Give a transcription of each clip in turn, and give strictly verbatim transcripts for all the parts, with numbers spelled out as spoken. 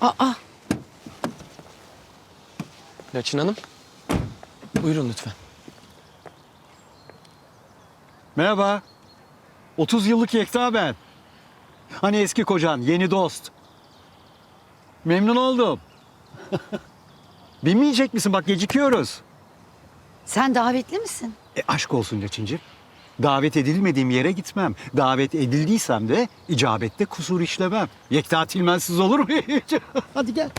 Aa, Laçın Hanım, buyurun lütfen. Merhaba. otuz yıllık Yekta ben. Hani eski kocan, yeni dost. Memnun oldum. Binmeyecek misin? Bak gecikiyoruz. sen davetli misin? E, aşk olsun Laçıncığım. Davet edilmediğim yere gitmem. Davet edildiysem de icabette kusur işlemem. Yekta Tilmensiz olur mu hiç? Hadi gel.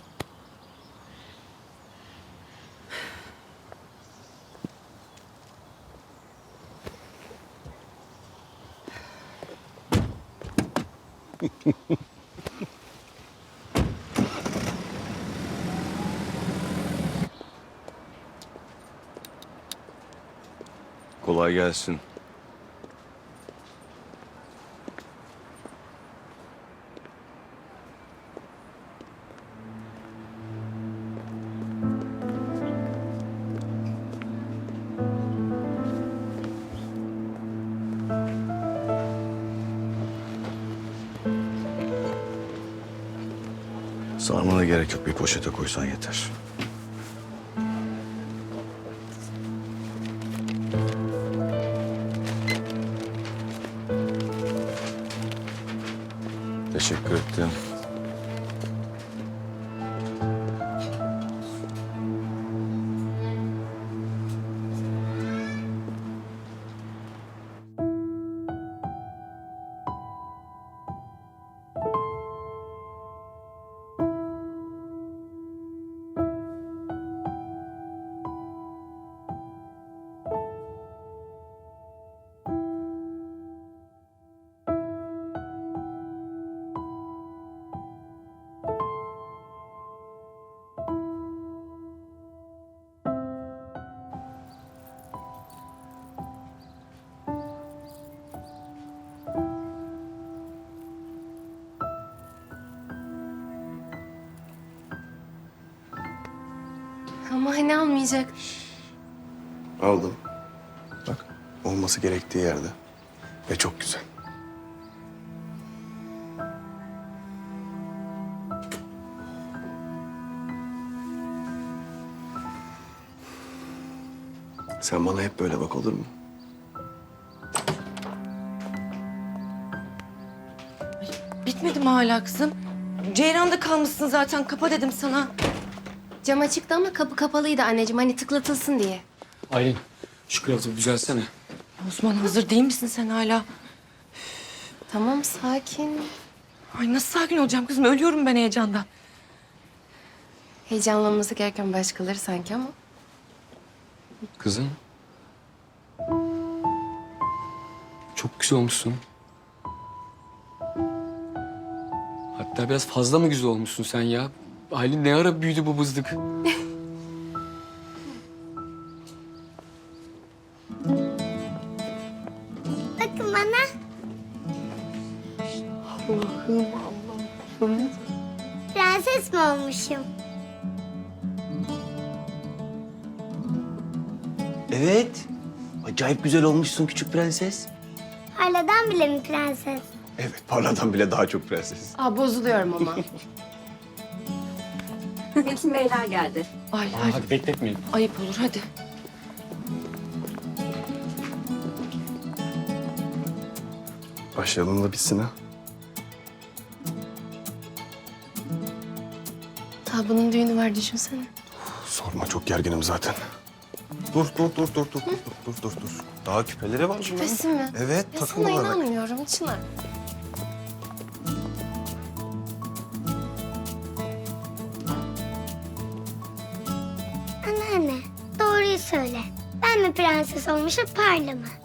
Kolay gelsin. Sarmana gerek yok. Bir poşete koysan yeter. Teşekkür ettim. Ama hani almayacak. Aldım. Bak, olması gerektiği yerde. Ve çok güzel. Sen bana hep böyle bak, olur mu? Bitmedi mi hala kızım? Ceyran'da kalmışsın zaten. Kapa dedim sana. Cam açıktı ama kapı kapalıydı anneciğim. Hani tıklatılsın diye. Aylin, şu kravatı düzelsene. Osman hazır değil misin sen hala? Tamam sakin. Ay nasıl sakin olacağım kızım? Ölüyorum ben heyecandan. Heyecanlanması gereken başkaları sanki ama. Kızım. Çok güzel olmuşsun. Hatta biraz fazla mı güzel olmuşsun sen ya? Aylin ne ara büyüdü bu bızdık? Bakın bana. Allah'ım Allah'ım. Prenses mi olmuşum? Evet. Acayip güzel olmuşsun küçük prenses. Parladan bile mi prenses? Evet, parladan bile daha çok prenses. Aa bozuluyorum ama. Metin Beyler geldi. Ay Aa, ay hadi bekletmeyin. ayıp olur hadi. Başlayalım da bitsin ha. Daha bunun düğünü var düşünsene. Sorma, çok gerginim zaten. Dur, dur, dur, dur, dur, dur, dur, dur, dur. Daha küpeleri var bunların. Küpesi mi? Evet, Ya sana takılmalar bak. inanmıyorum Çınar. Anneanne, doğruyu söyle. Ben mi prenses olmuşum, Parla mı?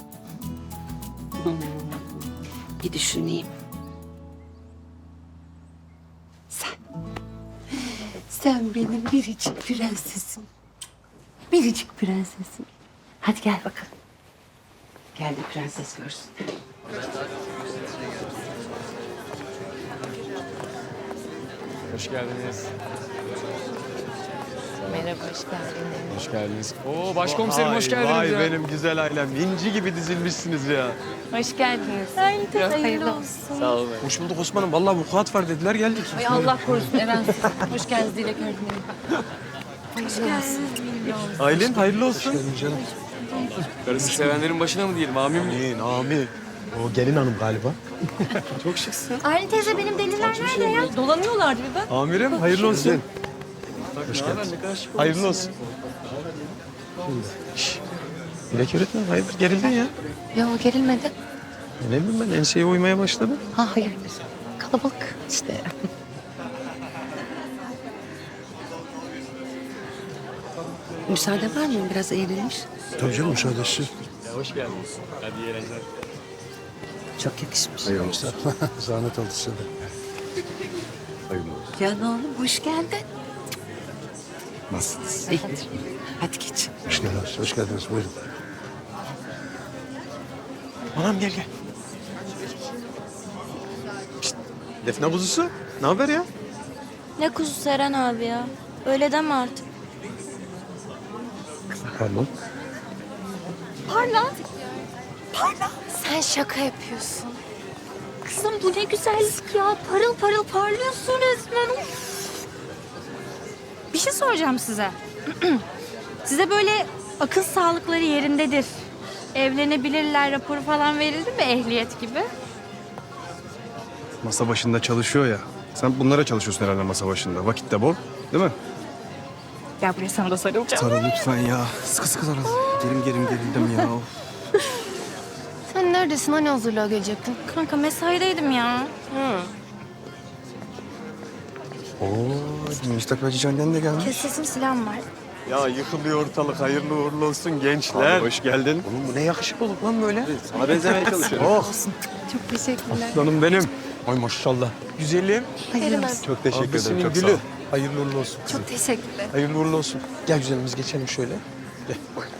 Bir düşüneyim. Sen. Sen benim biricik prensesim. Biricik prensesim. Hadi gel bakalım. Gel de prenses görsün. Hoş geldiniz. Merhaba. Merhaba, hoş geldiniz. Hoş geldiniz. Oo başkomiserim hoş geldiniz Vay ya. benim güzel ailem. İnci gibi dizilmişsiniz ya. Hoş geldiniz. Hayırlı olsun. Sağ olun. Hoş bulduk Osman'ım. Vallahi vukuat var dediler geldik. Ay Allah korusun Erensiz. Hoş geldiniz Dilek öğretmenim. Hoş geldiniz. Aylin hayırlı olsun. Karısı sevenlerin başına mı diyelim amin mi? Amin, amin. O gelin hanım galiba. Çok şıksın. Aylin teyze benim deliler nerede ya? Dolanıyorlardı bir ben. Amirim hayırlı olsun. Hoş geldin. Hayırlı olsun. Şşş. Dilek öğretmen hayırdır gerildin ya. Ya o gerilmedi. Ne bileyim ben enseye uymaya başladım. Ha hayır. Kalabalık işte. Müsaade var mı? Biraz eğlenmiş. Tabii canım müsaadesi. Hoş geldiniz. Hadi iyi eğlenceler. Çok yakışmış. Eyvallah. Zahmet oldu size de. Hayırlı olsun. Can oğlum hoş geldin. Nasılsınız? İyidir. Hadi geç. Hoş geldiniz. Hoş geldiniz. Buyurun. Anam gel gel. Şişt, Defne kuzusu. Ne haber ya? Ne kuzu Seren abi ya? Öyle deme artık. Pardon. Sen şaka yapıyorsun. Kızım bu ne güzellik ya. Parıl parıl parlıyorsun resmen. Uf. Bir şey soracağım size. Size böyle akıl sağlıkları yerindedir. Evlenebilirler raporu falan verildi mi ehliyet gibi? Masa başında çalışıyor ya. Sen bunlara çalışıyorsun herhalde masa başında. Vakit de bol. Değil mi? Gel buraya sana da sarılacağım. Sarıl lütfen ya. Sıkı sıkı sarıl. Gerim gerim gerildim ya. Of. Sen neredesin? Hani hazırlığa gelecektin? Kanka mesaideydim ya. Oo, müstakbelci annen de gelmiş. Kes sesini silahım var. Ya yıkılıyor ortalık. Hayırlı uğurlu olsun gençler. Abi hoş geldin. Oğlum bu ne yakışıklılık lan böyle. Sana benzemeye çalışıyorum. Oh. Çok teşekkürler. Aslanım benim. Ay maşallah. Güzelim. Hayırlı. Çok teşekkür Abisinin ederim. Çok gülü. sağ ol. Hayırlı uğurlu olsun. Çok teşekkürler. Hayırlı uğurlu olsun. Gel güzelimiz geçelim şöyle. Gel.